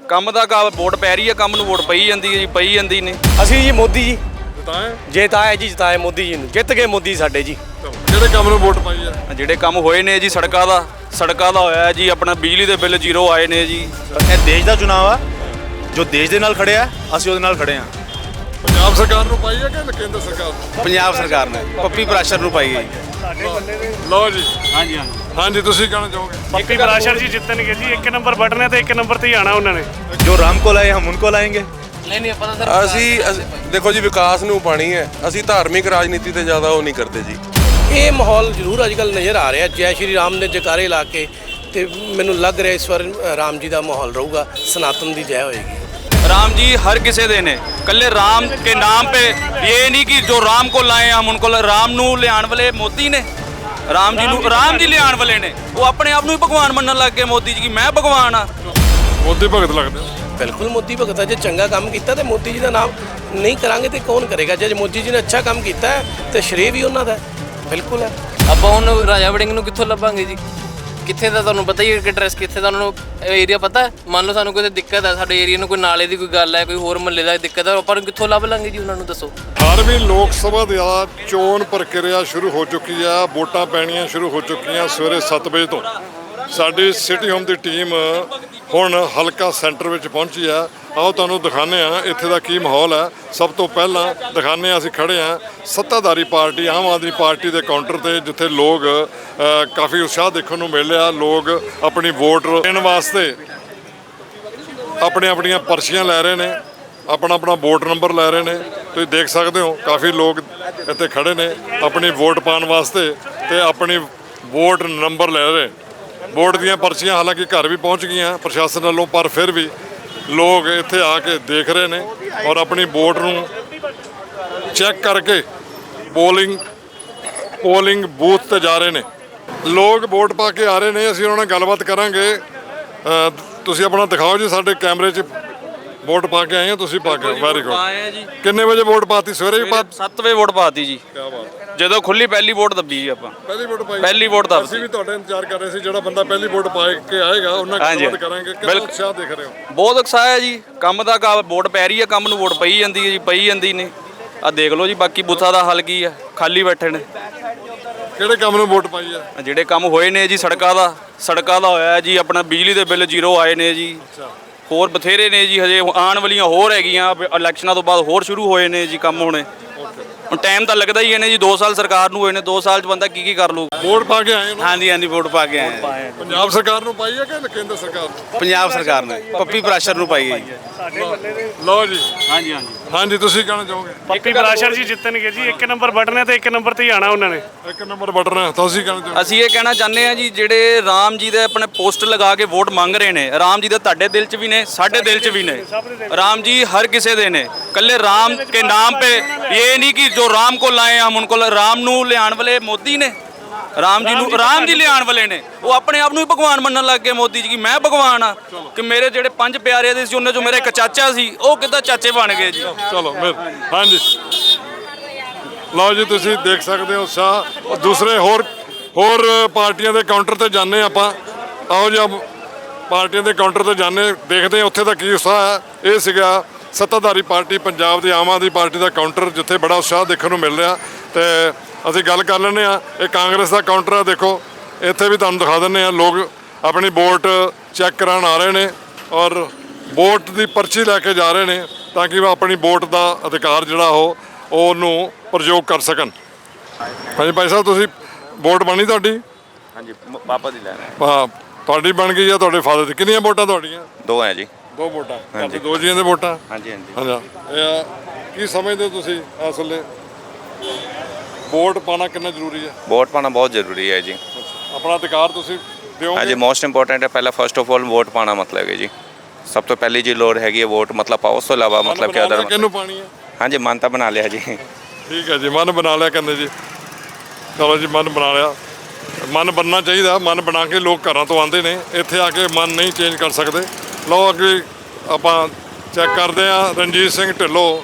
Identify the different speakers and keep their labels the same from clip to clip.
Speaker 1: ਕੰਮ ਦਾ ਵੋਟ ਪੈ ਰਹੀ ਹੈ, ਕੰਮ ਨੂੰ ਵੋਟ ਪਈ ਜਾਂਦੀ ਹੈ ਜੀ, ਪਈ ਜਾਂਦੀ ਨੇ।
Speaker 2: ਅਸੀਂ ਜੀ ਮੋਦੀ ਜੀ
Speaker 3: ਜਿਤਾਏ
Speaker 2: ਜਿਤਾਏ ਜੀ, ਜਿਤਾਏ ਮੋਦੀ ਜੀ ਨੂੰ, ਜਿੱਤ ਗਏ ਮੋਦੀ ਸਾਡੇ ਜੀ।
Speaker 3: ਕਿਹੜੇ ਕੰਮ ਨੂੰ ਵੋਟ ਪਾਈ ਹੈ?
Speaker 1: ਜਿਹੜੇ ਕੰਮ ਹੋਏ ਨੇ ਜੀ, ਸੜਕਾਂ ਦਾ ਹੋਇਆ ਜੀ, ਆਪਣਾ ਬਿਜਲੀ ਦੇ ਬਿੱਲ ਜ਼ੀਰੋ ਆਏ ਨੇ ਜੀ।
Speaker 4: ਇਹ ਦੇਸ਼ ਦਾ ਚੁਣਾਵ ਆ, ਜੋ ਦੇਸ਼ ਦੇ ਨਾਲ ਖੜੇ ਆ, ਅਸੀਂ ਉਹਦੇ ਨਾਲ ਖੜੇ ਆ।
Speaker 3: ਪੰਜਾਬ ਸਰਕਾਰ ਨੂੰ ਪਾਈ ਹੈ ਕਿ ਕੇਂਦਰ ਸਰਕਾਰ ਨੂੰ?
Speaker 4: ਪੰਜਾਬ ਸਰਕਾਰ ਨੇ ਪੱਪੀ ਪ੍ਰਾਸ਼ਰ ਨੂੰ ਪਾਈ ਹੈ ਜੀ।
Speaker 3: ਲਓ ਜੀ। ਹਾਂਜੀ ਤੁਸੀਂ ਕਹਿਣਾ ਚਾਹੋਗੇ?
Speaker 5: ਪੱਪੀ ਪ੍ਰਾਸ਼ਰ ਜੀ ਜਿੱਤਣਗੇ ਜੀ। 1 ਨੰਬਰ ਬਟਨ ਹੈ ਤੇ 1 ਨੰਬਰ ਤੇ ਹੀ ਆਣਾ ਉਹਨਾਂ ਨੇ।
Speaker 4: ਜੋ ਰਾਮ ਕੋਲ ਆਏ ਹਮ ਉनको ਲਾएंगे।
Speaker 6: ਅਸੀਂ ਦੇਖੋ ਜੀ, ਵਿਕਾਸ ਨੂੰ ਪਾਣੀ ਹੈ। ਅਸੀਂ ਧਾਰਮਿਕ ਰਾਜਨੀਤੀ ਤੇ ਜ਼ਿਆਦਾ ਉਹ ਨਹੀਂ ਕਰਦੇ ਜੀ।
Speaker 2: ਇਹ ਮਾਹੌਲ ਜ਼ਰੂਰ ਅੱਜ ਕੱਲ੍ਹ ਨਜ਼ਰ ਆ ਰਿਹਾ। ਜੈ ਸ਼੍ਰੀ ਰਾਮ ਦੇ ਜਕਾਰੇ ਲਾ ਕੇ ਤੇ ਮੈਨੂੰ ਲੱਗ ਰਿਹਾ ਇਸ ਵਾਰ ਰਾਮ ਜੀ ਦਾ ਮਾਹੌਲ ਰਹੂਗਾ, ਸਨਾਤਨ ਦੀ ਜੈ ਹੋਏਗੀ।
Speaker 1: राम जी हर किसी दे ने, कल्ले राम के नाम पे ये नहीं कि जो राम को लाए हम उनको। राम नू लियाण वाले मोदी ने, राम जी लियाण वाले ने। वो अपने आप ਨੂੰ ਹੀ ਭਗਵਾਨ ਮੰਨਣ ਲੱਗ ਗਏ ਮੋਦੀ ਜੀ, ਕਿ ਮੈਂ ਭਗਵਾਨ ਆ।
Speaker 3: ਮੋਦੀ ਭਗਤ ਲੱਗਦੇ ਹੋ?
Speaker 2: ਬਿਲਕੁਲ ਮੋਦੀ ਭਗਤ ਹੈ। ਜੇ ਚੰਗਾ ਕੰਮ ਕੀਤਾ ਤੇ ਮੋਦੀ ਜੀ ਦਾ ਨਾਮ ਨਹੀਂ ਕਰਾਂਗੇ ਤੇ ਕੌਣ ਕਰੇਗਾ? ਜੇ ਮੋਦੀ ਜੀ ਨੇ ਅੱਛਾ ਕੰਮ ਕੀਤਾ ਹੈ ਤੇ ਸ਼੍ਰੇਅ ਵੀ ਉਹਨਾਂ ਦਾ ਹੈ। ਬਿਲਕੁਲ ਹੈ।
Speaker 7: ਆਪਾਂ ਹੁਣ ਰਾਜਾ ਵੜਿੰਗ ਨੂੰ ਕਿੱਥੋਂ ਲੱਭਾਂਗੇ ਜੀ? ਕਿੱਥੇ ਦਾ ਤੁਹਾਨੂੰ ਪਤਾ ਹੀ ਹੈ ਕਿ ਐਡਰੈਸ ਕਿੱਥੇ ਦਾ, ਉਹਨਾਂ ਨੂੰ ਏਰੀਆ ਪਤਾ ਹੈ। ਮੰਨ ਲਓ ਸਾਨੂੰ ਕੋਈ ਦਿੱਕਤ ਹੈ, ਸਾਡੇ ਏਰੀਆ ਨੂੰ ਕੋਈ ਨਾਲੇ ਦੀ ਕੋਈ ਗੱਲ ਹੈ, ਕੋਈ ਹੋਰ ਮਹੱਲੇ ਦਾ ਦਿੱਕਤ ਹੈ, ਆਪਾਂ ਨੂੰ ਕਿੱਥੋਂ ਲੱਭ ਲਾਂਗੇ ਜੀ? ਉਹਨਾਂ ਨੂੰ ਦੱਸੋ।
Speaker 3: 18ਵੀਂ ਲੋਕ ਸਭਾ ਦੀ ਚੋਣ ਪ੍ਰਕਿਰਿਆ ਸ਼ੁਰੂ ਹੋ ਚੁੱਕੀ ਆ। ਵੋਟਾਂ ਪੈਣੀਆਂ ਸ਼ੁਰੂ ਹੋ ਚੁੱਕੀਆਂ ਸਵੇਰੇ 7 ਵਜੇ ਤੋਂ। ਸਾਡੀ ਸਿਟੀ ਹੋਮ ਦੀ ਟੀਮ ਹੁਣ ਹਲਕਾ ਸੈਂਟਰ ਵਿੱਚ ਪਹੁੰਚੀ ਆ। ਆਓ ਤੁਹਾਨੂੰ ਦਿਖਾਉਂਦੇ ਆ ਇੱਥੇ ਦਾ ਕੀ ਮਾਹੌਲ ਹੈ। ਸਭ ਤੋਂ ਪਹਿਲਾਂ ਦਿਖਾਉਂਦੇ ਆ, ਅਸੀਂ ਖੜੇ ਆ ਸੱਤਾਧਾਰੀ ਪਾਰਟੀ ਆਮ ਆਦਮੀ ਪਾਰਟੀ ਦੇ ਕਾਊਂਟਰ ਤੇ, ਜਿੱਥੇ ਲੋਕ ਕਾਫੀ ਉਤਸ਼ਾਹ ਦੇਖਣ ਨੂੰ ਮਿਲ ਰਿਹਾ। ਲੋਕ ਆਪਣੀ ਵੋਟ ਦੇਣ ਵਾਸਤੇ ਆਪਣੀਆਂ ਪਰਚੀਆਂ ਲੈ ਰਹੇ ਨੇ, ਆਪਣਾ ਵੋਟ ਨੰਬਰ ਲੈ ਰਹੇ ਨੇ। ਤੁਸੀਂ ਦੇਖ ਸਕਦੇ ਹੋ ਕਾਫੀ ਲੋਕ ਇੱਥੇ ਖੜੇ ਨੇ ਆਪਣੀ ਵੋਟ ਪਾਉਣ ਵਾਸਤੇ ਤੇ ਆਪਣੀ ਵੋਟ ਨੰਬਰ ਲੈ ਰਹੇ। ਵੋਟ ਦੀਆਂ ਪਰਚੀਆਂ ਹਾਲਾਂਕਿ ਘਰ ਵੀ ਪਹੁੰਚ ਗਈਆਂ ਪ੍ਰਸ਼ਾਸਨ ਵੱਲੋਂ, ਪਰ ਫਿਰ ਵੀ ਲੋਕ ਇੱਥੇ ਆ ਕੇ ਦੇਖ ਰਹੇ ਨੇ ਔਰ ਆਪਣੀ ਵੋਟ ਨੂੰ ਚੈੱਕ ਕਰਕੇ ਪੋਲਿੰਗ ਬੂਥ ਤੇ ਜਾ ਰਹੇ ਨੇ। ਲੋਕ ਵੋਟ ਪਾ ਕੇ ਆ ਰਹੇ ਨੇ। ਅਸੀਂ ਉਹਨਾਂ ਨਾਲ ਗੱਲਬਾਤ ਕਰਾਂਗੇ। ਤੁਸੀਂ ਆਪਣਾ ਦਿਖਾਓ ਜੀ, ਸਾਡੇ ਕੈਮਰੇ 'ਚ ਵੋਟ ਪਾ ਕੇ ਆਏ ਹੋ ਤੁਸੀਂ? ਪਾ ਕੇ, ਵੈਰੀ ਗੁੱਡ। ਕਿੰਨੇ ਵਜੇ ਵੋਟ ਪਾਤੀ? ਸਵੇਰੇ ਵੀ
Speaker 1: 7 ਵਜੇ ਵੋਟ ਪਾਤੀ ਜੀ।
Speaker 3: ਕੀ ਬਾਤ।
Speaker 1: ਜਦੋਂ ਖੁੱਲੀ ਪਹਿਲੀ ਵੋਟ ਦੱਬੀ ਜੀ ਆਪਾਂ।
Speaker 3: ਪਹਿਲੀ ਵੋਟ ਪਾਈ?
Speaker 1: ਪਹਿਲੀ ਵੋਟ ਦੱਬੀ।
Speaker 3: ਅਸੀਂ ਵੀ ਤੁਹਾਡਾ ਇੰਤਜ਼ਾਰ ਕਰ ਰਹੇ ਸੀ, ਜਿਹੜਾ ਬੰਦਾ ਪਹਿਲੀ ਵੋਟ ਪਾ ਕੇ ਆਏਗਾ ਉਹਨਾਂ ਨਾਲ ਗੱਲਬਾਤ ਕਰਾਂਗੇ। ਕਿੰਨਾ ਉਤਸ਼ਾਹ ਦੇਖ ਰਹੇ ਹੋ?
Speaker 1: ਬਹੁਤ ਉਤਸ਼ਾਹ ਹੈ ਜੀ। ਕੰਮ ਦਾ ਵੋਟ ਪੈ ਰਹੀ ਹੈ, ਕੰਮ ਨੂੰ ਵੋਟ ਪਈ ਜਾਂਦੀ ਹੈ ਜੀ, ਪਈ ਜਾਂਦੀ ਨੇ। ਆ ਦੇਖ ਲਓ ਜੀ, ਬਾਕੀ ਬੂਥਾਂ ਦਾ ਹੱਲ ਕੀ ਹੈ, ਖਾਲੀ ਬੈਠੇ ਨੇ।
Speaker 3: ਕਿਹੜੇ ਕੰਮ ਨੂੰ ਵੋਟ ਪਾਈ ਹੈ?
Speaker 1: ਜਿਹੜੇ ਕੰਮ ਹੋਏ ਨੇ ਜੀ, ਸੜਕਾਂ ਦਾ ਹੋਇਆ ਜੀ, ਆਪਣਾ ਬਿਜਲੀ ਦੇ ਬਿੱਲ ਜ਼ੀਰੋ ਆਏ ਨੇ ਜੀ। ਹੋਰ ਬਥੇਰੇ ਨੇ ਜੀ, ਹਜੇ ਆਉਣ ਵਾਲੀਆਂ ਹੋਰ ਹੈਗੀਆਂ। ਇਲੈਕਸ਼ਨਾਂ ਤੋਂ ਬਾਅਦ ਹੋਰ ਸ਼ੁਰੂ ਹੋਏ ਨੇ ਜੀ ਕੰਮ ਹੋਣੇ। ਹੁਣ ਟਾਈਮ ਤਾਂ ਲੱਗਦਾ ਹੀ ਹੈ ਨੇ ਜੀ। 2 ਸਾਲ ਸਰਕਾਰ ਨੂੰ ਹੋਏ ਨੇ, 2 ਸਾਲ 'ਚ ਬੰਦਾ ਕੀ ਕਰ ਲੂ।
Speaker 3: ਵੋਟ ਪਾ ਕੇ ਆਏ ਹੋ?
Speaker 4: ਹਾਂਜੀ ਵੋਟ ਪਾ ਕੇ ਆਏ ਆ।
Speaker 3: ਪੰਜਾਬ ਸਰਕਾਰ ਨੂੰ ਪਾਈ ਹੈ ਕਿ ਕੇਂਦਰ ਸਰਕਾਰ ਨੂੰ?
Speaker 4: ਪੰਜਾਬ ਸਰਕਾਰ ਨੇ ਪੱਪੀ ਪ੍ਰਾਸ਼ਰ ਨੂੰ ਪਾਈ ਹੈ ਜੀ।
Speaker 3: ਲਓ ਜੀ। ਹਾਂਜੀ ਤੁਸੀਂ ਕਹਿਣਾ ਚਾਹੋਗੇ?
Speaker 5: ਪੱਪੀ ਪ੍ਰਾਸ਼ਰ ਜੀ ਜਿੱਤਣਗੇ ਜੀ। 1 ਨੰਬਰ ਬਟਨ ਹੈ ਤੇ 1 ਨੰਬਰ ਤੇ ਹੀ ਆਣਾ ਉਹਨਾਂ ਨੇ।
Speaker 3: 1 ਨੰਬਰ ਬਟਨ ਹੈ। ਤੁਸੀਂ ਕਹਿਣਾ ਚਾਹੋਗੇ?
Speaker 1: ਅਸੀਂ ਇਹ ਕਹਿਣਾ ਚਾਹੁੰਦੇ ਹਾਂ ਜੀ, ਜਿਹੜੇ ਰਾਮ ਜੀ ਦੇ ਆਪਣੇ ਪੋਸਟਰ ਲਗਾ ਕੇ ਵੋਟ ਮੰਗ ਰਹੇ ਨੇ, ਰਾਮ ਜੀ ਦੇ ਤੁਹਾਡੇ ਦਿਲ 'ਚ ਵੀ ਨੇ, ਸਾਡੇ ਦਿਲ 'ਚ ਵੀ ਨੇ। ਰਾਮ जी हर किसी दे ने, कल्ले राम के नाम पे ये नहीं कि जो राम को लाए हम उनको। राम नू लियाण वाले मोदी ने, राम जी लियाण वाले ने। वो अपने आप ਨੂੰ ਹੀ ਭਗਵਾਨ ਮੰਨਣ ਲੱਗ ਗਏ ਮੋਦੀ ਜੀ, ਕਿ ਮੈਂ ਭਗਵਾਨ ਆ। ਕਿ ਮੇਰੇ ਜਿਹੜੇ 5 ਪਿਆਰੇ ਦੇ ਸੀ, ਉਹਨਾਂ 'ਚੋਂ ਮੇਰਾ ਇੱਕ ਚਾਚਾ ਸੀ, ਉਹ ਕਿੱਦਾਂ ਚਾਚੇ ਬਣ ਗਏ ਜੀ।
Speaker 3: ਚਲੋ ਹਾਂਜੀ ਲਓ ਜੀ, ਤੁਸੀਂ ਦੇਖ ਸਕਦੇ ਹੋ ਉਤਸ਼ਾਹ। ਦੂਸਰੇ ਹੋਰ ਪਾਰਟੀਆਂ ਦੇ ਕਾਊਂਟਰ ਤੇ ਜਾਂਦੇ ਆਪਾਂ। ਆਓ ਜੀ ਪਾਰਟੀਆਂ ਦੇ ਕਾਊਂਟਰ ਤੇ ਜਾਂਦੇ, ਦੇਖਦੇ ਉੱਥੇ ਦਾ ਕੀ ਉਤਸ਼ਾਹ ਹੈ। ਇਹ ਸੀਗਾ ਸੱਤਾਧਾਰੀ ਪਾਰਟੀ ਪੰਜਾਬ ਦੀ ਆਮ ਆਦਮੀ ਪਾਰਟੀ ਦਾ ਕਾਊਂਟਰ, ਜਿੱਥੇ ਬੜਾ ਉਤਸ਼ਾਹ ਦੇਖਣ ਨੂੰ ਮਿਲ ਰਿਹਾ। ਤੇ ਅਸੀਂ ਗੱਲ ਕਰ ਲੈਂਦੇ ਹਾਂ। ਇਹ ਕਾਂਗਰਸ ਦਾ ਕਾਊਂਟਰ ਆ, ਦੇਖੋ ਇੱਥੇ ਵੀ ਤੁਹਾਨੂੰ ਦਿਖਾ ਦਿੰਦੇ ਹਾਂ। ਲੋਕ ਆਪਣੀ ਵੋਟ ਚੈੱਕ ਕਰਾਉਣ ਆ ਰਹੇ ਨੇ ਔਰ ਵੋਟ ਦੀ ਪਰਚੀ ਲੈ ਕੇ ਜਾ ਰਹੇ ਨੇ, ਤਾਂ ਕਿ ਉਹ ਆਪਣੀ ਵੋਟ ਦਾ ਅਧਿਕਾਰ ਜਿਹੜਾ ਉਹਨੂੰ ਪ੍ਰਯੋਗ ਕਰ ਸਕਣ। ਹਾਂਜੀ ਭਾਈ ਸਾਹਿਬ, ਤੁਸੀਂ ਵੋਟ ਬਣੀ ਤੁਹਾਡੀ?
Speaker 8: ਹਾਂਜੀ, ਪਾਪਾ ਦੀ ਲੈਣਾ।
Speaker 3: ਹਾਂ, ਤੁਹਾਡੀ ਬਣ ਗਈ ਆ, ਤੁਹਾਡੇ ਫਾਦਰ ਦੀ? ਕਿੰਨੀਆਂ ਵੋਟਾਂ ਤੁਹਾਡੀਆਂ?
Speaker 8: 2 ਹੈ ਜੀ।
Speaker 3: 2 ਵੋਟਾਂ? ਹਾਂਜੀ, 2 ਜੀਆਂ ਦੇ ਵੋਟਾਂ?
Speaker 8: ਹਾਂਜੀ।
Speaker 3: ਇਹ ਕੀ ਸਮਝਦੇ ਹੋ ਤੁਸੀਂ ਇਸ ਵੇਲੇ ਵੋਟ ਪਾਣਾ ਕਿੰਨਾ ਜ਼ਰੂਰੀ ਹੈ?
Speaker 8: ਵੋਟ ਪਾਣਾ ਬਹੁਤ ਜ਼ਰੂਰੀ ਹੈ ਜੀ।
Speaker 3: ਆਪਣਾ ਅਧਿਕਾਰ ਤੁਸੀਂ ਦਿਓਗੇ?
Speaker 8: ਹਾਂਜੀ, ਮੋਸਟ ਇੰਪੋਰਟੈਂਟ ਹੈ। ਪਹਿਲਾਂ ਫਸਟ ਆਫ ਆਲ ਵੋਟ ਪਾਣਾ ਮਤਲਬ ਹੈ ਜੀ, ਸਭ ਤੋਂ ਪਹਿਲੀ ਜੀ ਲੋੜ ਹੈਗੀ ਹੈ ਵੋਟ ਮਤਲਬ ਪਾਓ। ਉਸ ਤੋਂ ਇਲਾਵਾ ਮਤਲਬ ਕਿ ਅਦਰ
Speaker 3: ਕਿਹਨੂੰ ਪਾਣੀ ਹੈ?
Speaker 8: ਹਾਂਜੀ, ਮਨ ਤਾਂ ਬਣਾ ਲਿਆ ਜੀ।
Speaker 3: ਠੀਕ ਹੈ ਜੀ, ਮਨ ਬਣਾ ਲਿਆ ਕਹਿੰਦੇ ਜੀ। ਚਲੋ ਜੀ, ਮਨ ਬਣਾ ਲਿਆ। ਮਨ ਬਣਨਾ ਚਾਹੀਦਾ। ਮਨ ਬਣਾ ਕੇ ਲੋਕ ਘਰਾਂ ਤੋਂ ਆਉਂਦੇ ਨੇ, ਇੱਥੇ ਆ ਕੇ ਮਨ ਨਹੀਂ ਚੇਂਜ ਕਰ ਸਕਦੇ। ਲਓ ਅੱਗੇ ਆਪਾਂ ਚੈੱਕ ਕਰਦੇ ਹਾਂ। ਰਣਜੀਤ ਸਿੰਘ ਢਿੱਲੋਂ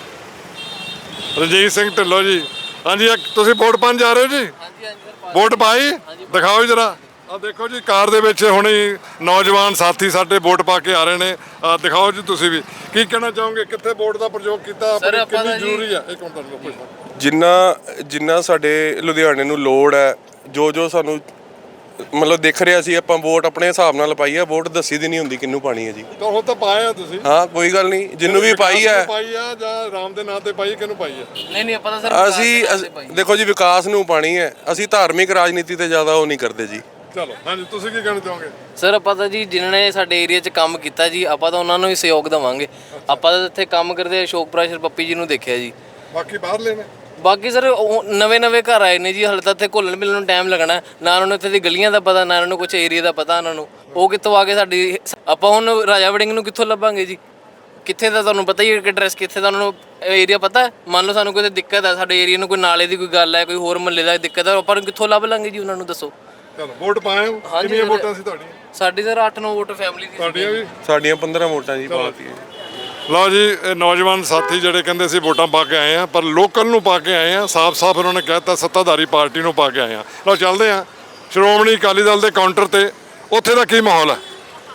Speaker 3: ਜੀ। ਹਾਂਜੀ, ਤੁਸੀਂ ਵੋਟ ਪਾਉਣ ਜਾ ਰਹੇ ਹੋ ਜੀ? ਵੋਟ ਪਾਈ? ਦਿਖਾਓ ਜਰਾ ਆ ਦੇਖੋ ਜੀ ਕਾਰ ਦੇ ਵਿੱਚ ਹੁਣੇ ਨੌਜਵਾਨ ਸਾਥੀ ਸਾਡੇ ਵੋਟ ਪਾ ਕੇ ਆ ਰਹੇ ਨੇ। ਦਿਖਾਓ ਜੀ ਤੁਸੀਂ ਵੀ ਕੀ ਕਹਿਣਾ ਚਾਹੋਗੇ, ਕਿੱਥੇ ਵੋਟ ਦਾ ਪ੍ਰਯੋਗ ਕੀਤਾ,
Speaker 7: ਸਰ, ਆਪਾਂ
Speaker 3: ਕਿੰਨੀ
Speaker 7: ਤਾਂ ਜੀ-
Speaker 3: ਜ਼ਰੂਰੀ ਹੈ? ਇੱਕ ਮਿੰਟ ਤੁਹਾਨੂੰ ਪੁੱਛਦਾ।
Speaker 6: ਜਿੰਨਾ ਸਾਡੇ ਲੁਧਿਆਣੇ ਨੂੰ ਲੋੜ ਹੈ, ਜੋ ਸਾਨੂੰ ਮਤਲਬ ਦਿਖ ਰਿਹਾ ਸੀ, ਆਪਾਂ ਵੋਟ ਆਪਣੇ ਹਿਸਾਬ ਨਾਲ ਪਾਈ ਹੈ। ਵੋਟ ਦੱਸੀ ਦੀ ਨਹੀਂ ਹੁੰਦੀ ਕਿਹਨੂੰ ਪਾਣੀ ਹੈ ਜੀ।
Speaker 3: ਤਾਂ ਉਹ ਤਾਂ ਪਾਇਆ ਤੁਸੀਂ,
Speaker 6: ਹਾਂ ਕੋਈ ਗੱਲ ਨਹੀਂ, ਜਿੰਨੂੰ ਵੀ ਪਾਈ ਹੈ।
Speaker 3: ਪਾਈ ਆ ਜਾਂ ਰਾਮ ਦੇ ਨਾਂ ਤੇ ਪਾਈ, ਕਿਹਨੂੰ ਪਾਈ ਹੈ?
Speaker 7: ਨਹੀਂ ਆਪਾਂ ਤਾਂ ਸਰ
Speaker 6: ਅਸੀਂ ਦੇਖੋ ਜੀ ਵਿਕਾਸ ਨੂੰ ਪਾਣੀ ਹੈ। ਅਸੀਂ ਧਾਰਮਿਕ ਰਾਜਨੀਤੀ ਤੇ ਜ਼ਿਆਦਾ ਉਹ ਨਹੀਂ ਕਰਦੇ ਜੀ।
Speaker 3: ਚਲੋ ਹਾਂਜੀ, ਤੁਸੀਂ ਕੀ ਕਹਿਣਾ ਚਾਹੋਗੇ?
Speaker 7: ਸਰ ਆਪਾਂ ਤਾਂ ਜੀ ਜਿਨ੍ਹਾਂ ਨੇ ਸਾਡੇ ਏਰੀਆ 'ਚ ਕੰਮ ਕੀਤਾ ਜੀ, ਆਪਾਂ ਤਾਂ ਉਹਨਾਂ ਨੂੰ ਹੀ ਸਹਿਯੋਗ ਦੇਵਾਂਗੇ। ਆਪਾਂ ਤਾਂ ਇੱਥੇ ਕੰਮ ਕਰਦੇ ਅਸ਼ੋਕ ਪ੍ਰੈਸ਼ਰ ਪੱਪੀ ਜੀ ਨੂੰ ਦੇਖਿਆ ਜੀ।
Speaker 3: ਬਾਕੀ ਬਾਹਰ ਲੈਣੇ
Speaker 7: ਬਾਕੀ ਸਰ ਨਵੇਂ ਘਰ ਆਏ ਨੇ ਜੀ, ਹਾਲੇ ਤਾਂ ਇੱਥੇ ਘੁਲਣ ਮਿਲਣ ਨੂੰ ਟਾਈਮ ਲੱਗਣਾ। ਨਾ ਉਹਨਾਂ ਨੂੰ ਇੱਥੇ ਦੀ ਗਲੀਆਂ ਦਾ ਪਤਾ, ਨਾ ਉਹਨਾਂ ਨੂੰ ਕੁਝ ਏਰੀਆ ਦਾ ਪਤਾ। ਉਹਨਾਂ ਨੂੰ ਉਹ ਕਿੱਥੋਂ ਆ ਕੇ ਸਾਡੀ ਆਪਾਂ ਹੁਣ ਰਾਜਾ ਵੜਿੰਗ ਨੂੰ ਕਿੱਥੋਂ ਲੱਭਾਂਗੇ ਜੀ? ਕਿੱਥੇ ਦਾ ਤੁਹਾਨੂੰ ਪਤਾ ਹੀ ਹੈ ਕਿ ਐਡਰੈਸ ਕਿੱਥੇ ਦਾ ਉਹਨਾਂ ਨੂੰ ਏਰੀਆ ਪਤਾ। ਮੰਨ ਲਓ ਸਾਨੂੰ ਕੋਈ ਦਿੱਕਤ ਹੈ, ਸਾਡੇ ਏਰੀਆ ਨੂੰ ਕੋਈ ਨਾਲੇ ਦੀ ਕੋਈ ਗੱਲ ਹੈ, ਕੋਈ ਹੋਰ ਮਹੱਲੇ ਦਾ ਦਿੱਕਤ ਹੈ, ਆਪਾਂ ਨੂੰ ਕਿੱਥੋਂ ਲੱਭ ਲਾਂਗੇ ਜੀ? ਉਹਨਾਂ ਨੂੰ ਦੱਸੋ।
Speaker 3: ਚਲੋ ਵੋਟ ਪਾਏ ਹੋ?
Speaker 7: ਹਾਂਜੀ
Speaker 3: ਕਿੰਨੀਆਂ
Speaker 7: ਸਰ।
Speaker 3: ਵੋਟਾਂ ਸੀ ਤੁਹਾਡੀਆਂ?
Speaker 7: ਸਾਡੀ ਸਰ 8-9 ਵੋਟ ਫੈਮਿਲੀ ਦੀ
Speaker 3: ਤੁਹਾਡੀਆਂ ਵੀ?
Speaker 6: ਸਾਡੀਆਂ 15 ਵੋਟਾਂ ਜੀ ਪਾਤੀ ਹੈ।
Speaker 3: ਲਓ ਜੀ, ਇਹ ਨੌਜਵਾਨ ਸਾਥੀ ਜਿਹੜੇ ਕਹਿੰਦੇ ਸੀ ਵੋਟਾਂ ਪਾ ਕੇ ਆਏ ਆ, ਪਰ ਲੋਕਲ ਨੂੰ ਪਾ ਕੇ ਆਏ ਆ। ਸਾਫ਼ ਉਹਨਾਂ ਨੇ ਕਹਿਤਾ ਸੱਤਾਧਾਰੀ ਪਾਰਟੀ ਨੂੰ ਪਾ ਕੇ ਆਏ ਆ। ਲਓ ਚੱਲਦੇ ਆ ਸ਼੍ਰੋਮਣੀ ਅਕਾਲੀ ਦਲ ਦੇ ਕਾਊਂਟਰ ਤੇ, ਉੱਥੇ ਦਾ ਕੀ ਮਾਹੌਲ ਹੈ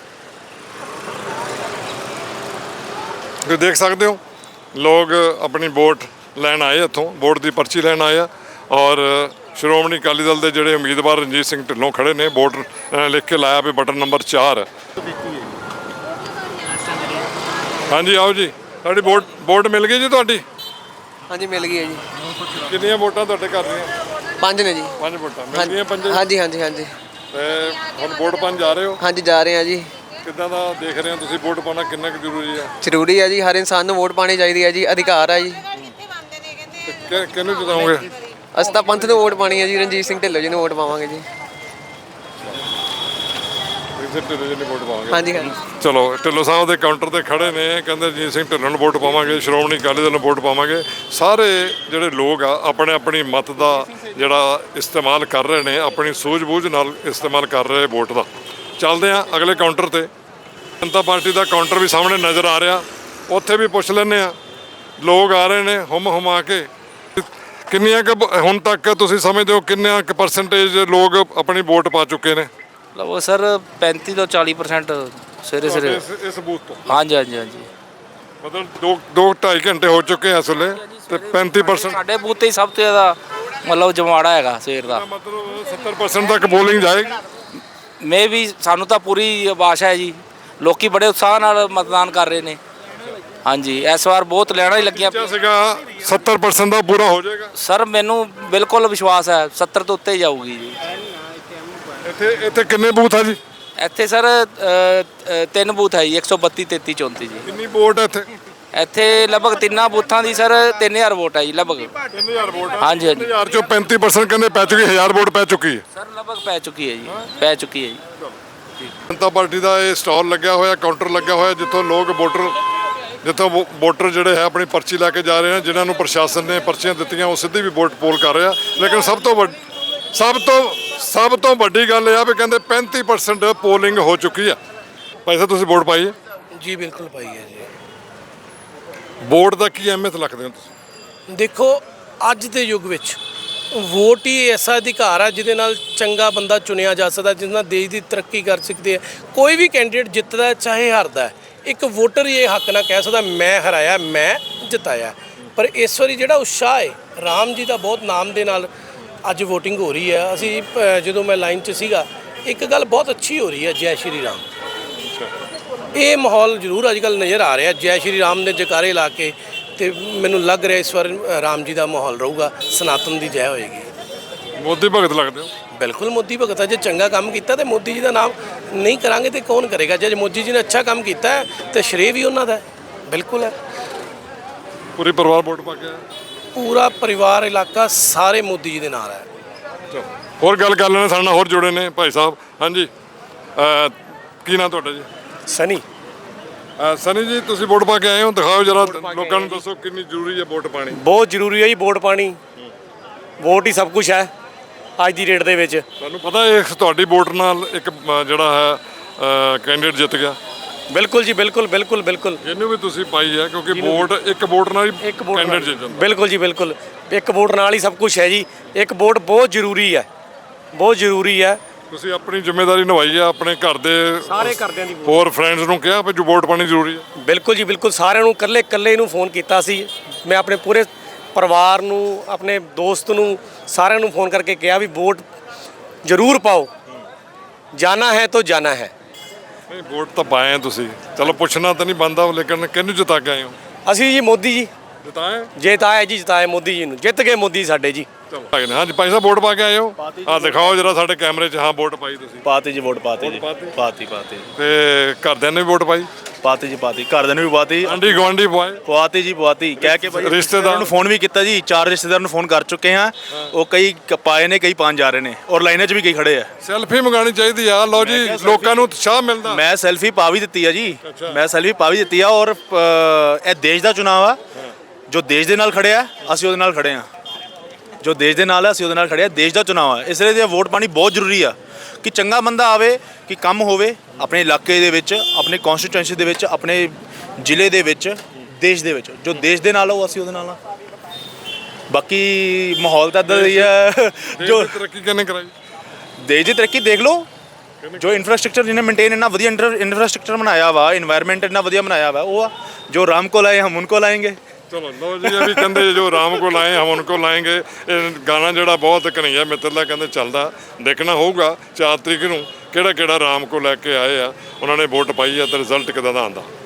Speaker 3: ਤੁਸੀਂ ਦੇਖ ਸਕਦੇ ਹੋ। ਲੋਕ ਆਪਣੀ ਵੋਟ ਲੈਣ ਆਏ, ਇੱਥੋਂ ਵੋਟ ਦੀ ਪਰਚੀ ਲੈਣ ਆਏ ਆ। ਔਰ ਸ਼੍ਰੋਮਣੀ ਅਕਾਲੀ ਦਲ ਦੇ ਜਿਹੜੇ ਉਮੀਦਵਾਰ ਰਣਜੀਤ ਸਿੰਘ ਢਿੱਲੋਂ ਖੜੇ ਨੇ, ਵੋਟ ਲਿਖ ਕੇ ਲਾਇਆ ਵੀ ਬਟਨ ਨੰਬਰ 4। ਹਾਂਜੀ ਆਓ ਜੀ, ਤੁਹਾਡੀ ਵੋਟ ਮਿਲ ਗਈ ਜੀ ਤੁਹਾਡੀ?
Speaker 9: ਹਾਂਜੀ ਮਿਲ ਗਈ ਹੈ ਜੀ।
Speaker 3: ਕਿੰਨੀਆਂ ਵੋਟਾਂ ਤੁਹਾਡੇ ਘਰ ਦੀਆਂ?
Speaker 9: 5 ਨੇ ਜੀ।
Speaker 3: 5 ਵੋਟਾਂ ਮਿਲ ਗਈਆਂ? 5?
Speaker 9: ਹਾਂਜੀ ਹਾਂਜੀ ਹਾਂਜੀ
Speaker 3: ਤੇ ਹੁਣ ਵੋਟ ਪਾਉਣ ਜਾ ਰਹੇ ਹੋ?
Speaker 9: ਹਾਂਜੀ ਜਾ ਰਹੇ ਹਾਂ ਜੀ।
Speaker 3: ਕਿੱਦਾਂ ਦਾ ਦੇਖ ਰਹੇ ਹੋ ਤੁਸੀਂ, ਵੋਟ ਪਾਉਣਾ ਕਿੰਨਾ ਕੁ ਜ਼ਰੂਰੀ ਹੈ?
Speaker 9: ਜ਼ਰੂਰੀ ਹੈ ਜੀ, ਹਰ ਇਨਸਾਨ ਨੂੰ ਵੋਟ ਪਾਣੀ ਚਾਹੀਦੀ ਹੈ ਜੀ, ਅਧਿਕਾਰ ਹੈ ਜੀ।
Speaker 3: ਕਿਹਨੂੰ ਜਿਤਾਓਗੇ?
Speaker 9: ਅਸੀਂ ਤਾਂ ਪੰਥ ਨੂੰ ਵੋਟ ਪਾਣੀ ਹੈ ਜੀ, ਰਣਜੀਤ ਸਿੰਘ ਢਿੱਲੋਂ ਜੀ ਨੂੰ ਵੋਟ ਪਾਵਾਂਗੇ ਜੀ।
Speaker 3: ਵੋਟ ਪਾਵਾਂਗੇ?
Speaker 9: ਹਾਂਜੀ ਹਾਂਜੀ।
Speaker 3: ਚਲੋ ਢਿੱਲੋਂ ਸਾਹਿਬ ਦੇ ਕਾਊਂਟਰ ਤੇ ਖੜੇ ਨੇ, ਕਹਿੰਦੇ ਰਣਜੀਤ ਸਿੰਘ ਢਿੱਲੋਂ ਨੂੰ ਵੋਟ ਪਾਵਾਂਗੇ, ਸ਼੍ਰੋਮਣੀ ਅਕਾਲੀ ਦਲ ਨੂੰ ਵੋਟ ਪਾਵਾਂਗੇ। ਸਾਰੇ ਜਿਹੜੇ ਲੋਕ ਆ ਆਪਣੇ ਆਪਣੀ ਮਤ ਦਾ ਜਿਹੜਾ ਇਸਤੇਮਾਲ ਕਰ ਰਹੇ ਨੇ, ਆਪਣੀ ਸੂਝ-ਬੂਝ ਨਾਲ ਇਸਤੇਮਾਲ ਕਰ ਰਹੇ ਵੋਟ ਦਾ। ਚੱਲਦੇ ਆ ਅਗਲੇ ਕਾਊਂਟਰ ਤੇ। ਜਨਤਾ ਪਾਰਟੀ ਦਾ ਕਾਊਂਟਰ ਵੀ ਸਾਹਮਣੇ ਨਜ਼ਰ ਆ ਰਿਹਾ, ਉੱਥੇ ਵੀ ਪੁੱਛ ਲੈਂਦੇ ਆ। ਲੋਕ ਆ ਰਹੇ ਨੇ ਹੁਮਾ ਕੇ। ਕਿੰਨੀਆਂ ਕੁ ਹੁਣ ਤੱਕ ਤੁਸੀਂ ਸਮਝਦੇ ਹੋ ਕਿੰਨਾ ਕੁ ਪਰਸੈਂਟੇਜ ਲੋਕ ਆਪਣੀ ਵੋਟ ਪਾ ਚੁੱਕੇ ਨੇ?
Speaker 10: ਲਓ ਸਰ 35 ਤੋਂ 40% ਸਵੇਰੇ
Speaker 3: ਇਸ ਬੂਥ ਤੋਂ?
Speaker 10: ਹਾਂਜੀ ਹਾਂਜੀ ਹਾਂਜੀ।
Speaker 3: ਮਤਲਬ 2-2.5 ਘੰਟੇ ਹੋ ਚੁੱਕੇ ਆ ਇਸ ਵੇਲੇ ਤੇ 35%
Speaker 10: ਸਾਡੇ ਬੂਥ ਤੇ ਹੀ ਸਭ ਤੋਂ ਜ਼ਿਆਦਾ ਮਤਲਬ ਜਮਾੜਾ ਹੈਗਾ ਸਵੇਰ ਦਾ।
Speaker 3: ਮਤਲਬ 70% ਤੱਕ ਬੋਲਿੰਗ ਜਾਏਗੀ।
Speaker 10: ਮੇ ਵੀ ਸਾਨੂੰ ਤਾਂ ਪੂਰੀ ਆਸ ਹੈ ਜੀ, ਲੋਕੀ ਬੜੇ ਉਤਸ਼ਾਹ ਨਾਲ ਮਤਦਾਨ ਕਰ ਰਹੇ ਨੇ। ਹਾਂਜੀ ਇਸ ਵਾਰ ਬਹੁਤ ਲੈਣਾ ਹੀ ਲੱਗੀਆਂ
Speaker 3: ਸੀਗਾ 70% ਦਾ ਪੂਰਾ ਹੋ ਜਾਏਗਾ
Speaker 10: ਸਰ, ਮੈਨੂੰ ਬਿਲਕੁਲ ਵਿਸ਼ਵਾਸ ਹੈ 70 ਤੋਂ ਉੱਤੇ ਹੀ ਜਾਊਗੀ ਜੀ।
Speaker 3: ਇੱਥੇ ਕਿੰਨੇ ਬੂਥ ਆ ਜੀ?
Speaker 10: ਇੱਥੇ ਸਰ 3 ਬੂਥ ਹੈ ਜੀ, 132 33 34 ਜੀ।
Speaker 3: ਕਿੰਨੀ ਵੋਟ ਹੈ ਇੱਥੇ?
Speaker 10: ਇੱਥੇ ਲਗਭਗ ਤਿੰਨਾਂ ਬੂਥਾਂ ਦੀ ਸਰ 3000 ਵੋਟ ਹੈ ਜੀ ਲਗਭਗ।
Speaker 3: 3000 ਵੋਟ?
Speaker 10: ਹਾਂਜੀ ਹਾਂਜੀ।
Speaker 3: 3000 ਚੋਂ 35% ਕਹਿੰਦੇ ਪੈ ਚੁੱਕੀ, 1000 ਵੋਟ ਪੈ ਚੁੱਕੀ ਹੈ
Speaker 10: ਸਰ ਲਗਭਗ ਪੈ ਚੁੱਕੀ ਹੈ ਜੀ, ਪੈ ਚੁੱਕੀ ਹੈ ਜੀ।
Speaker 3: ਜਨਤਾ ਪਾਰਟੀ ਦਾ ਇਹ ਸਟਾਲ ਲੱਗਿਆ ਹੋਇਆ, ਕਾਊਂਟਰ ਲੱਗਿਆ ਹੋਇਆ, ਜਿੱਥੋਂ ਲੋਕ ਵੋਟਰ ਜਿਹੜੇ ਹੈ ਆਪਣੀ ਪਰਚੀ ਲੈ ਕੇ ਜਾ ਰਹੇ ਨੇ। ਜਿਨ੍ਹਾਂ ਨੂੰ ਪ੍ਰਸ਼ਾਸਨ ਨੇ ਪਰਚੀਆਂ ਦਿੱਤੀਆਂ ਉਹ ਸਿੱਧੀ ਵੀ ਵੋਟ ਪੋਲ ਕਰ ਰਿਹਾ। ਲੇਕਿਨ ਸਭ ਤੋਂ ਵੱਡੀ ਗੱਲ ਇਹ ਆ ਵੀ ਕਹਿੰਦੇ 35% ਪੋਲਿੰਗ ਹੋ ਚੁੱਕੀ ਆ। ਭਾਈ ਸਾਹਿਬ ਤੁਸੀਂ ਵੋਟ ਪਾਈ ਹੈ?
Speaker 2: ਜੀ ਬਿਲਕੁਲ ਪਾਈ ਹੈ ਜੀ।
Speaker 3: ਵੋਟ ਦਾ ਕੀ ਅਹਿਮੀਅਤ ਰੱਖਦੇ ਹੋ ਤੁਸੀਂ?
Speaker 2: ਦੇਖੋ ਅੱਜ ਦੇ ਯੁੱਗ ਵਿੱਚ ਵੋਟ ਹੀ ਐਸਾ ਅਧਿਕਾਰ ਹੈ ਜਿਹਦੇ ਨਾਲ ਚੰਗਾ ਬੰਦਾ ਚੁਣਿਆ ਜਾ ਸਕਦਾ, ਜਿਸ ਨਾਲ ਦੇਸ਼ ਦੀ ਤਰੱਕੀ ਕਰ ਸਕਦੇ ਆ। ਕੋਈ ਵੀ ਕੈਂਡੀਡੇਟ ਜਿੱਤਦਾ ਚਾਹੇ ਹਾਰਦਾ, ਇੱਕ ਵੋਟਰ ਹੀ ਇਹ ਹੱਕ ਨਾਲ ਕਹਿ ਸਕਦਾ ਮੈਂ ਹਰਾਇਆ, ਮੈਂ ਜਿਤਾਇਆ। ਪਰ ਇਸ ਵਾਰੀ ਜਿਹੜਾ ਉਤਸ਼ਾਹ ਹੈ ਰਾਮ ਜੀ ਦਾ ਬਹੁਤ ਨਾਮ ਦੇ ਨਾਲ ਅੱਜ VOTING ਹੋ ਰਹੀ ਹੈ। ਅਸੀਂ ਜਦੋਂ ਮੈਂ ਲਾਈਨ 'ਚ ਸੀਗਾ, ਇੱਕ ਗੱਲ ਬਹੁਤ ਅੱਛੀ ਹੋ ਰਹੀ ਹੈ, ਜੈ ਸ਼੍ਰੀ ਰਾਮ। ਇਹ ਮਾਹੌਲ ਜ਼ਰੂਰ ਅੱਜ ਕੱਲ੍ਹ ਨਜ਼ਰ ਆ ਰਿਹਾ, ਜੈ ਸ਼੍ਰੀ ਰਾਮ ਦੇ ਜਕਾਰੇ ਲਾ ਕੇ। ਤੇ ਮੈਨੂੰ ਲੱਗ ਰਿਹਾ ਇਸ ਵਾਰ ਰਾਮ ਜੀ ਦਾ ਮਾਹੌਲ ਰਹੂਗਾ, ਸਨਾਤਨ ਦੀ ਜੈ ਹੋਏਗੀ।
Speaker 3: ਮੋਦੀ ਭਗਤ ਲੱਗਦੇ ਹੋ?
Speaker 2: ਬਿਲਕੁਲ ਮੋਦੀ ਭਗਤ ਹੈ। ਜੇ ਚੰਗਾ ਕੰਮ ਕੀਤਾ ਤੇ ਮੋਦੀ ਜੀ ਦਾ ਨਾਮ ਨਹੀਂ ਕਰਾਂਗੇ ਤੇ ਕੌਣ ਕਰੇਗਾ? ਜੇ ਮੋਦੀ ਜੀ ਨੇ ਅੱਛਾ ਕੰਮ ਕੀਤਾ ਹੈ ਤੇ ਸ਼੍ਰੇਅ ਵੀ ਉਹਨਾਂ ਦਾ ਹੈ। ਬਿਲਕੁਲ ਹੈ।
Speaker 3: ਪੂਰੀ ਪਰਿਵਾਰ ਵੋਟ ਪਾ ਕੇ ਆਇਆ?
Speaker 2: ਪੂਰਾ ਪਰਿਵਾਰ, ਇਲਾਕਾ ਸਾਰੇ ਮੋਦੀ ਜੀ ਦੇ ਨਾਲ ਹੈ।
Speaker 3: ਚਲੋ ਹੋਰ ਗੱਲ ਕਰ ਲੈਣੇ, ਸਾਡੇ ਨਾਲ ਹੋਰ ਜੁੜੇ ਨੇ ਭਾਈ ਸਾਹਿਬ। ਹਾਂਜੀ ਕੀ ਨਾਮ ਤੁਹਾਡਾ ਜੀ?
Speaker 5: ਸਨੀ।
Speaker 3: ਸਨੀ ਜੀ ਤੁਸੀਂ ਵੋਟ ਪਾ ਕੇ ਆਏ ਹੋ, ਦਿਖਾਓ ਜਰਾ ਲੋਕਾਂ ਨੂੰ, ਦੱਸੋ ਕਿੰਨੀ ਜ਼ਰੂਰੀ ਹੈ ਵੋਟ ਪਾਣੀ?
Speaker 5: ਬਹੁਤ ਜ਼ਰੂਰੀ ਹੈ ਜੀ ਵੋਟ ਪਾਣੀ। ਵੋਟ ਹੀ ਸਭ ਕੁਝ ਹੈ ਅੱਜ ਦੀ ਡੇਟ ਦੇ ਵਿੱਚ।
Speaker 3: ਤੁਹਾਨੂੰ ਪਤਾ ਹੈ ਤੁਹਾਡੀ ਵੋਟ ਨਾਲ ਇੱਕ ਜਿਹੜਾ ਹੈ ਕੈਂਡੀਡੇਟ ਜਿੱਤ ਗਿਆ?
Speaker 5: ਬਿਲਕੁਲ ਜੀ, ਬਿਲਕੁਲ ਬਿਲਕੁਲ ਬਿਲਕੁਲ।
Speaker 3: ਇਹਨੂੰ ਵੀ ਤੁਸੀਂ ਪਾਈ ਹੈ ਕਿਉਂਕਿ ਇੱਕ ਵੋਟ ਨਾਲ ਹੀ ਕੈਂਡੀਡੇਟ ਜਿੱਤ ਜਾਂਦਾ।
Speaker 5: ਬਿਲਕੁਲ ਜੀ ਬਿਲਕੁਲ, ਇੱਕ ਵੋਟ ਨਾਲ ਹੀ ਸਭ ਕੁਝ ਹੈ ਜੀ। ਇੱਕ ਵੋਟ ਬਹੁਤ ਜ਼ਰੂਰੀ ਹੈ, ਬਹੁਤ ਜ਼ਰੂਰੀ ਹੈ।
Speaker 3: ਤੁਸੀਂ ਆਪਣੀ ਜ਼ਿੰਮੇਵਾਰੀ ਨਿਭਾਈ ਆ, ਆਪਣੇ ਘਰ ਦੇ
Speaker 5: ਸਾਰੇ ਘਰਦਿਆਂ ਦੀ
Speaker 3: ਹੋਰ ਫਰੈਂਡਸ ਨੂੰ ਕਿਹਾ ਵੀ ਜੋ ਵੋਟ ਪਾਣੀ ਜ਼ਰੂਰੀ ਹੈ।
Speaker 5: ਬਿਲਕੁਲ ਜੀ ਬਿਲਕੁਲ, ਸਾਰਿਆਂ ਨੂੰ ਇਕੱਲੇ ਨੂੰ ਫੋਨ ਕੀਤਾ ਸੀ। ਮੈਂ ਆਪਣੇ ਪੂਰੇ ਪਰਿਵਾਰ ਨੂੰ, ਆਪਣੇ ਦੋਸਤ ਨੂੰ, ਸਾਰਿਆਂ ਨੂੰ ਫੋਨ ਕਰਕੇ ਕਿਹਾ ਵੀ ਵੋਟ ਜ਼ਰੂਰ ਪਾਓ, ਜਾਣਾ ਹੈ ਤਾਂ ਜਾਣਾ ਹੈ।
Speaker 3: ਨਹੀਂ ਵੋਟ ਤਾਂ ਪਾਏ ਆ ਤੁਸੀਂ, ਚਲੋ ਪੁੱਛਣਾ ਤਾਂ ਨਹੀਂ ਬਣਦਾ, ਲੇਕਿਨ ਕਿਹਨੂੰ ਜਿਤਾ ਕੇ ਆਏ ਹੋ?
Speaker 5: ਅਸੀਂ ਜੀ ਮੋਦੀ ਜੀ
Speaker 3: ਜਿਤਾਏ
Speaker 5: ਜਿਤਾਏ ਜੀ, ਜਿਤਾਏ ਮੋਦੀ ਜੀ ਨੂੰ, ਜਿੱਤ ਗਏ ਮੋਦੀ ਸਾਡੇ ਜੀ।
Speaker 3: ਚਲੋ ਹਾਂਜੀ ਭਾਈ ਸਾਹਿਬ ਵੋਟ ਪਾ ਕੇ ਆਏ ਹੋ? ਆ ਦਿਖਾਓ ਜਰਾ ਸਾਡੇ ਕੈਮਰੇ 'ਚ, ਹਾਂ ਵੋਟ ਪਾਈ ਤੁਸੀਂ?
Speaker 4: ਪਾਤੀ ਜੀ ਵੋਟ ਪਾਤੀ ਜੀ,
Speaker 3: ਪਾਤੀ?
Speaker 4: ਪਾਤੀ
Speaker 3: ਤੇ ਘਰਦਿਆਂ ਨੇ ਵੀ ਵੋਟ ਪਾਈ?
Speaker 4: ਪਾਤੀ ਜੀ ਪਾਤੀ, ਘਰਦਿਆਂ ਨੇ ਵੀ ਪਾਤੀ,
Speaker 3: ਆਂਢੀ ਗੁਆਂਢੀ ਪਾਏ?
Speaker 4: ਪਵਾਤੀ ਜੀ ਪਵਾਤੀ, ਕਹਿ ਕੇ ਭਾਈ
Speaker 3: ਰਿਸ਼ਤੇਦਾਰਾਂ
Speaker 4: ਨੂੰ ਫੋਨ ਵੀ ਕੀਤਾ ਜੀ, 4 ਰਿਸ਼ਤੇਦਾਰਾਂ ਨੂੰ ਫੋਨ ਕਰ ਚੁੱਕੇ ਹਾਂ। ਉਹ ਕਈ ਪਾਏ ਨੇ, ਕਈ ਪਾਉਣ ਜਾ ਰਹੇ ਨੇ, ਔਰ ਲਾਈਨਾਂ 'ਚ ਵੀ ਕਈ ਖੜੇ ਆ।
Speaker 3: ਸੈਲਫੀ ਮੰਗਾਣੀ ਚਾਹੀਦੀ ਆ, ਲਓ ਜੀ ਲੋਕਾਂ ਨੂੰ ਉਤਸ਼ਾਹ ਮਿਲਦਾ।
Speaker 4: ਮੈਂ ਸੈਲਫੀ ਪਾ ਵੀ ਦਿੱਤੀ ਆ ਜੀ, ਮੈਂ ਸੈਲਫੀ ਪਾ ਵੀ ਦਿੱਤੀ ਆ। ਔਰ ਇਹ ਦੇਸ਼ ਦਾ ਚੁਣਾਵ ਆ, ਜੋ ਦੇਸ਼ ਦੇ ਨਾਲ ਖੜਿਆ ਅਸੀਂ ਉਹਦੇ ਨਾਲ ਖੜੇ ਆ, ਜੋ ਦੇਸ਼ ਦੇ ਨਾਲ ਹੈ ਅਸੀਂ ਉਹਦੇ ਨਾਲ ਖੜੇ ਆ। ਦੇਸ਼ ਦਾ ਚੁਣਾਵ ਆ, ਇਸ ਲਈ ਵੋਟ ਪਾਣੀ ਬਹੁਤ ਜ਼ਰੂਰੀ ਆ ਕਿ ਚੰਗਾ ਬੰਦਾ ਆਵੇ, ਕਿ ਕੰਮ ਹੋਵੇ ਆਪਣੇ ਇਲਾਕੇ ਦੇ ਵਿੱਚ, ਆਪਣੇ ਕਨਸਟੀਟੂਐਂਸੀ ਦੇ ਵਿੱਚ, ਆਪਣੇ ਜ਼ਿਲ੍ਹੇ ਦੇ ਵਿੱਚ, ਦੇਸ਼ ਦੇ ਵਿੱਚ। ਜੋ ਦੇਸ਼ ਦੇ ਨਾਲ ਹੋ ਅਸੀਂ ਉਹਦੇ ਨਾਲ ਆ। ਬਾਕੀ ਮਾਹੌਲ ਤਾਂ ਇੱਦਾਂ ਹੀ ਹੈ। ਜੋ
Speaker 3: ਤਰੱਕੀ ਕਿਹਨੇ ਕਰਾਈ?
Speaker 4: ਦੇਸ਼ ਦੀ ਤਰੱਕੀ ਦੇਖ ਲਓ, ਜੋ ਇਨਫਰਾਸਟ੍ਰਕਚਰ ਜਿਹਨੇ ਮੇਨਟੇਨ ਇੰਨਾ ਵਧੀਆ ਇਨਫਰਾਸਟ੍ਰਕਚਰ ਬਣਾਇਆ ਵਾ, ਇਨਵਾਇਰਨਮੈਂਟ ਇੰਨਾ ਵਧੀਆ ਬਣਾਇਆ ਵਾ, ਉਹ ਆ ਜੋ ਰਾਮ ਕੋਲ ਆਏ ਹਮ ਉਨਕੋ ਲਾਏਂਗੇ।
Speaker 3: ਚਲੋ ਲਓ ਜੀ, ਇਹ ਵੀ ਕਹਿੰਦੇ ਜੋ ਰਾਮ ਕੋਲ ਆਏ ਹਮ ਉਨਕੋ ਲਾਏਂਗੇ। ਇਹ ਗਾਣਾ ਜਿਹੜਾ ਬਹੁਤ ਕਨ੍ਹਈਆ ਮਿੱਤਰ ਦਾ ਕਹਿੰਦੇ ਚੱਲਦਾ, ਦੇਖਣਾ ਹੋਊਗਾ 4 ਤਰੀਕ ਨੂੰ ਕਿਹੜਾ ਰਾਮ ਕੋ ਲੈ ਕੇ ਆਏ ਆ, ਉਹਨਾਂ ਨੇ ਵੋਟ ਪਾਈ ਆ ਤਾਂ ਰਿਜ਼ਲਟ ਕਿੱਦਾਂ ਦਾ ਆਉਂਦਾ।